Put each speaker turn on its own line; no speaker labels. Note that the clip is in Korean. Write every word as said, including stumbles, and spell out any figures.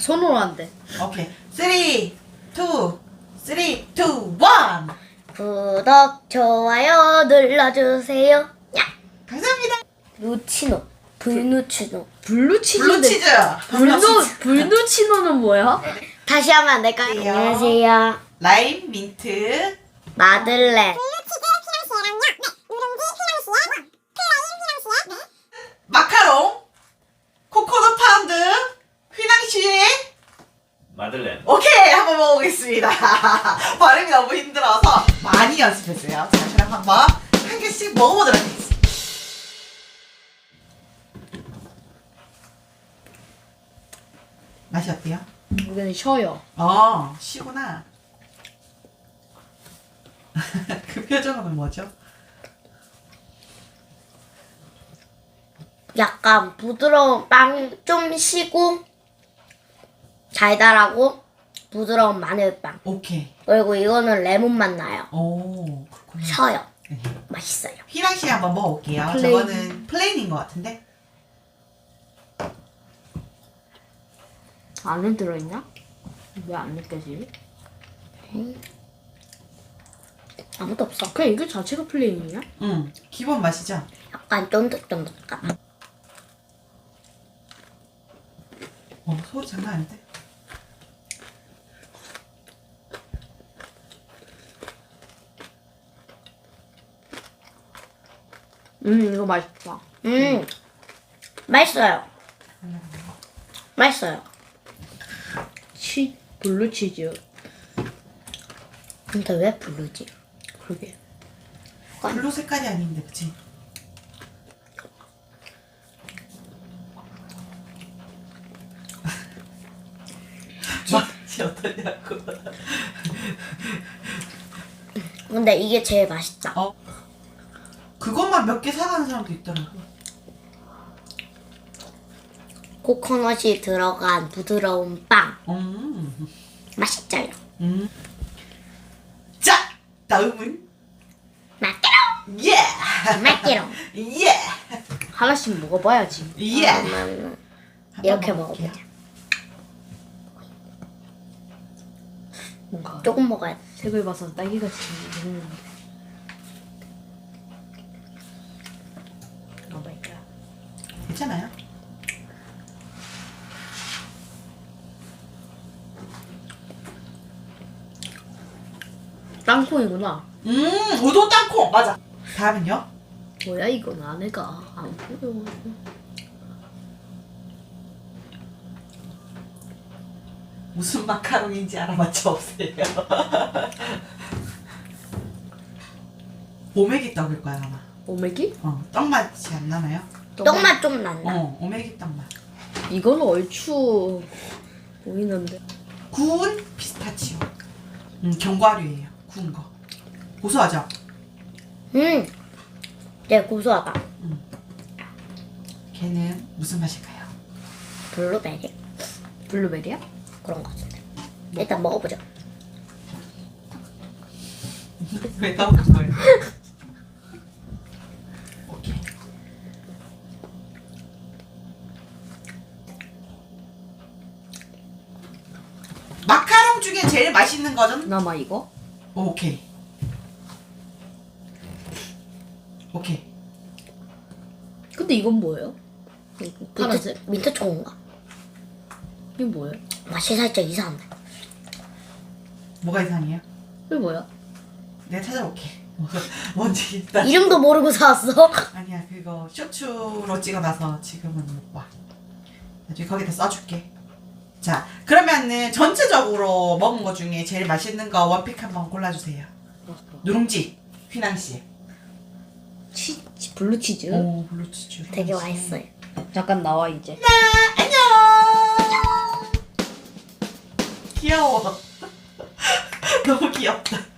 손으로 안 돼.
오케이. 쓰리, 투, 쓰리, 투, 원.
구독, 좋아요 눌러주세요. 야!
감사합니다.
누치노, 불누치노.
블루치즈인데.
블루치즈.
블루 블루치노는 뭐야?
다시 하면 안 될까요?
안녕하세요.
안녕하세요.
라임, 민트.
마들렌.
마카롱. 코코넛 파운드. 휘낭시에.
마들렌.
오케이, 한번 먹어보겠습니다. 발음이 너무 힘들어서 많이 연습했어요. 자, 그럼 한번 한 개씩 먹어보도록 하겠습니다. 맛이 어때요?
여기는 쉬어요.
어, 쉬구나. 그 표정은 뭐죠?
약간 부드러운 빵 좀 쉬고 달달하고 부드러운 마늘빵.
오케이.
그리고 이거는 레몬 맛 나요.
오, 그렇구나.
쉬어요.
네.
맛있어요.
휘낭시 한번 먹어볼게요.
플레인.
저거는 플레인인 것 같은데?
안에 들어있나? 왜 안 느껴지지?
아무도 없어.
그냥 이거 자체가 플레인이냐?
응, 기본 맛이죠?
약간 쫀득쫀득한.
어, 소리 장난 아닌데?
음 이거 맛있다.
음, 맛있어요. 맛있어요.
치 블루치즈.
근데 왜 블루지?
그러게.
블루 색깔이 아닌데, 그치? 맛이 어떠냐고.
근데 이게 제일 맛있다.
어? 그것만 몇 개 사가는 사람도 있더라고.
코코넛이 들어간 부드러운 빵.
음.
맛있어요.
음. 자, 다음은
맛있게롱.
예.
맛있게롱.
예.
하나씩 먹어봐야지.
예.
그러면 이렇게
한번 먹을게요.
먹어보자.
뭔가
조금 먹어야 돼.
색을 봐서 딸기같이 생겼는데. 먹어볼까?
괜찮아요?
땅콩이구나.
음, 우도 땅콩 맞아. 다음은요?
뭐야 이건 안에가 안 보여.
무슨 마카롱인지 알아맞혀 보세요. 오메기 떡일 거야 아마.
오메기?
어, 떡 맛이 안 나나요?
떡맛 좀 난다.
어, 오메기 떡 맛.
이거는 얼추 보이는데.
구운 피스타치오. 음, 견과류예요. 구운 거. 고소하죠?
음, 네 고소하다.
걔는 무슨 맛일까요?
블루베리
블루베리야?
그런 거 같은데. 일단 먹어보자.
왜 나오는 거예요? 오케이. 마카롱 중에 제일 맛있는 거는?
나마 이거?
오케이. 오케이.
근데 이건 뭐예요?
민트,
파란색?
민트 초코인가?
이게 뭐예요?
맛이 살짝 이상한데.
뭐가 이상해요?
이게 뭐야?
내가 찾아볼게. 뭔지 일단.
이름도 모르고 사왔어?
아니야, 그거 쇼츠로 찍어놔서 지금은 못 봐. 나중에 거기다 써줄게. 자, 그러면은 전체적으로 먹은 거 중에 제일 맛있는 거 원픽 한번 골라주세요. 누룽지, 휘낭시.
치, 치 블루치즈?
오, 블루치즈.
되게 맛있어요.
잠깐 나와 이제.
안녕. 귀여워. 너무 귀엽다.